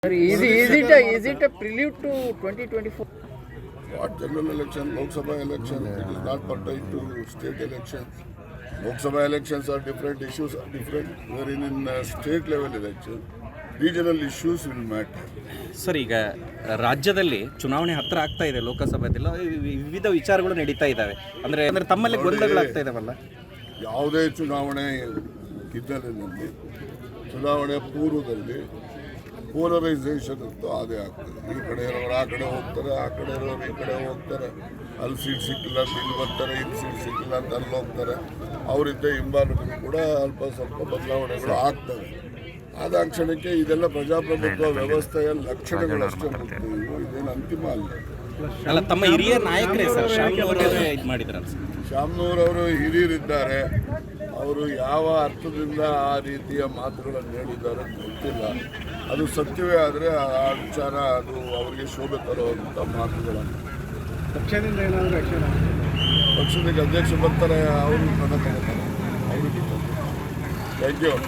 Sir, is it a prelude to 2024? What general election, Lok Sabha election, it is not pertain to state elections. Lok Sabha elections are different, issues are different, wherein in state level election, regional issues will matter. Sir, ಈಗ ರಾಜ್ಯದಲ್ಲಿ ಚುನಾವಣೆ ಹತ್ತಿರ ಆಗ್ತಾ ಇದೆ, ಲೋಕಸಭೆದೆಲ್ಲ ವಿವಿಧ ವಿಚಾರಗಳು ನಡೀತಾ ಇದ್ದಾವೆ. ಅಂದರೆ ತಮ್ಮಲ್ಲಿ ಗೊಂದಲಗಳಾಗ್ತಾ ಇದಾವಲ್ಲ. ಯಾವುದೇ ಚುನಾವಣೆ ಹಿನ್ನೆಲೆಯಲ್ಲಿ ಚುನಾವಣೆ ಪೂರ್ವದಲ್ಲಿ ಪೋಲರೈಸೇಷನ್ ಅಂತೂ ಅದೇ ಆಗ್ತದೆ. ಈ ಕಡೆ ಇರೋರು ಆ ಕಡೆ ಹೋಗ್ತಾರೆ, ಆ ಕಡೆ ಇರೋರು ಈ ಕಡೆ ಹೋಗ್ತಾರೆ. ಅಲ್ಲಿ ಸೀಟ್ ಸಿಕ್ಕಿಲ್ಲ ಅಂತ ಇಲ್ಲಿ ಬರ್ತಾರೆ, ಇಲ್ಲಿ ಸೀಟ್ ಸಿಕ್ಕಿಲ್ಲ ಅಂತ ಅಲ್ಲಿ ಹೋಗ್ತಾರೆ. ಅವರಿಂದ ಹಿಂಬಾಲಕರು ಕೂಡ ಅಲ್ಪ ಸ್ವಲ್ಪ ಬದಲಾವಣೆಗಳು ಆಗ್ತವೆ. ಆದ ಕ್ಷಣಕ್ಕೆ ಇದೆಲ್ಲ ಪ್ರಜಾಪ್ರಭುತ್ವ ವ್ಯವಸ್ಥೆಯ ಲಕ್ಷಣಗಳಷ್ಟೇ ಗೊತ್ತು. ಇದೇನು ಅಂತಿಮ ಅಲ್ಲ. ತಮ್ಮ ಹಿರಿಯ ನಾಯಕರೇ ಸರ್ ಶಾಮ್ನೂರವರೇ ಇದು ಮಾಡಿದ್ರು. ಶಾಮ್ನೂರವರು ಹಿರಿಯರಿದ್ದಾರೆ. ಅವರು ಯಾವ ಅರ್ಥದಿಂದ ಆ ರೀತಿಯ ಮಾತುಗಳನ್ನು ಹೇಳಿದ್ದಾರೆ ಗೊತ್ತಿಲ್ಲ. ಅದು ಸತ್ಯವೇ ಆದರೆ ಆ ವಿಚಾರ ಅದು ಅವರಿಗೆ ಶೋಭೆ ತರುವಂಥ ಮಾತುಗಳನ್ನು. ಪಕ್ಷದಿಂದ ಏನಾದರೂ ಆಕ್ಷನ್ ಪಕ್ಷದ ಅಧ್ಯಕ್ಷ ಬರ್ತಾರೆ, ಅವರು ಪದ ತಗೋತಾರೆ, ಅವರು ಥ್ಯಾಂಕ್ ಯು.